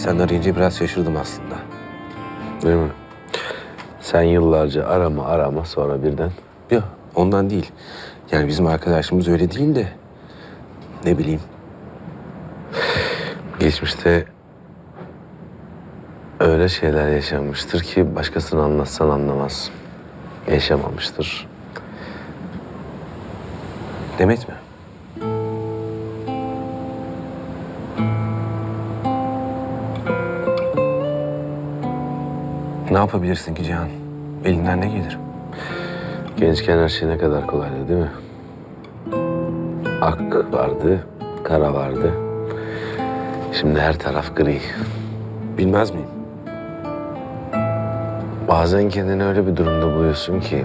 sen arayınca biraz şaşırdım aslında. Değil mi? Sen yıllarca arama sonra birden. Yok, ondan değil. Yani bizim arkadaşımız öyle değil de... Ne bileyim. Geçmişte öyle şeyler yaşanmıştır ki başkasına anlatsan anlamaz. Yaşamamıştır. Demet mi? Ne yapabilirsin ki Cihan? Elinden ne gelir? Gençken her şey ne kadar kolaydı değil mi? Ak vardı, kara vardı. Şimdi her taraf gri. Bilmez miyim? Bazen kendini öyle bir durumda buluyorsun ki...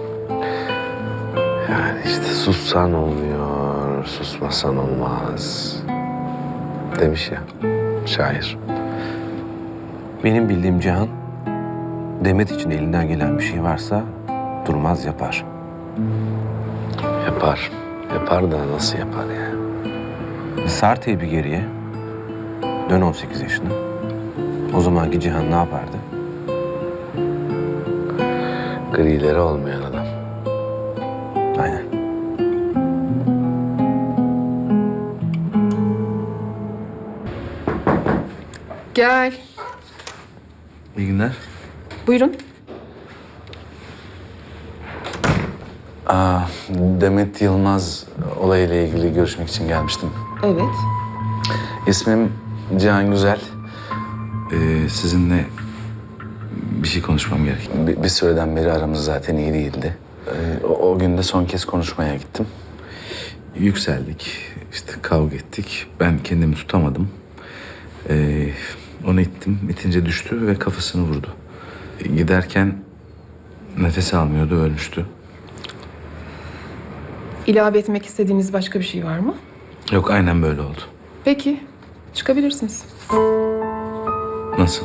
Yani işte sussan olmuyor, susmasan olmaz. Demiş ya şair. Benim bildiğim Cihan, Demet için elinden gelen bir şey varsa durmaz yapar. Yapar. Yapar da nasıl yapar ya? Sar teybi geriye. Dön 18 yaşına. O zamanki Cihan ne yapardı? Grileri olmayan adam. Aynen. Gel. İyi günler. Buyurun. Demet Yılmaz olayıyla ilgili görüşmek için gelmiştim. Evet. İsmim Cihan Güzel. Sizinle bir şey konuşmam gerek. Bir süreden beri aramız zaten iyi değildi. O gün de son kez konuşmaya gittim. Yükseldik, işte kavga ettik. Ben kendimi tutamadım. Onu ittim, itince düştü ve kafasını vurdu. Giderken nefes almıyordu, ölmüştü. İlave etmek istediğiniz başka bir şey var mı? Yok, aynen böyle oldu. Peki. Çıkabilirsiniz. Nasıl?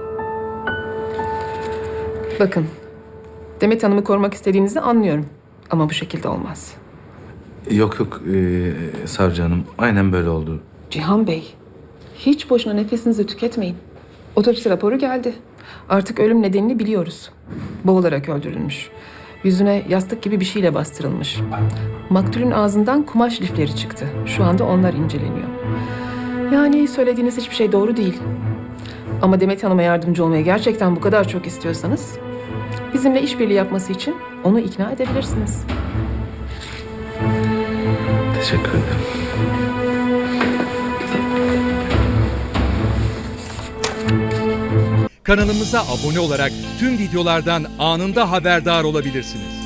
Bakın. Demet Hanım'ı korumak istediğinizi anlıyorum. Ama bu şekilde olmaz. Yok, savcı hanım. Aynen böyle oldu. Cihan Bey, hiç boşuna nefesinizi tüketmeyin. Otopsi raporu geldi. Artık ölüm nedenini biliyoruz. Boğularak öldürülmüş. Yüzüne yastık gibi bir şeyle bastırılmış. Maktulün ağzından kumaş lifleri çıktı. Şu anda onlar inceleniyor. Yani söylediğiniz hiçbir şey doğru değil. Ama Demet Hanım'a yardımcı olmayı gerçekten bu kadar çok istiyorsanız... bizimle işbirliği yapması için onu ikna edebilirsiniz. Teşekkür ederim. Kanalımıza abone olarak tüm videolardan anında haberdar olabilirsiniz.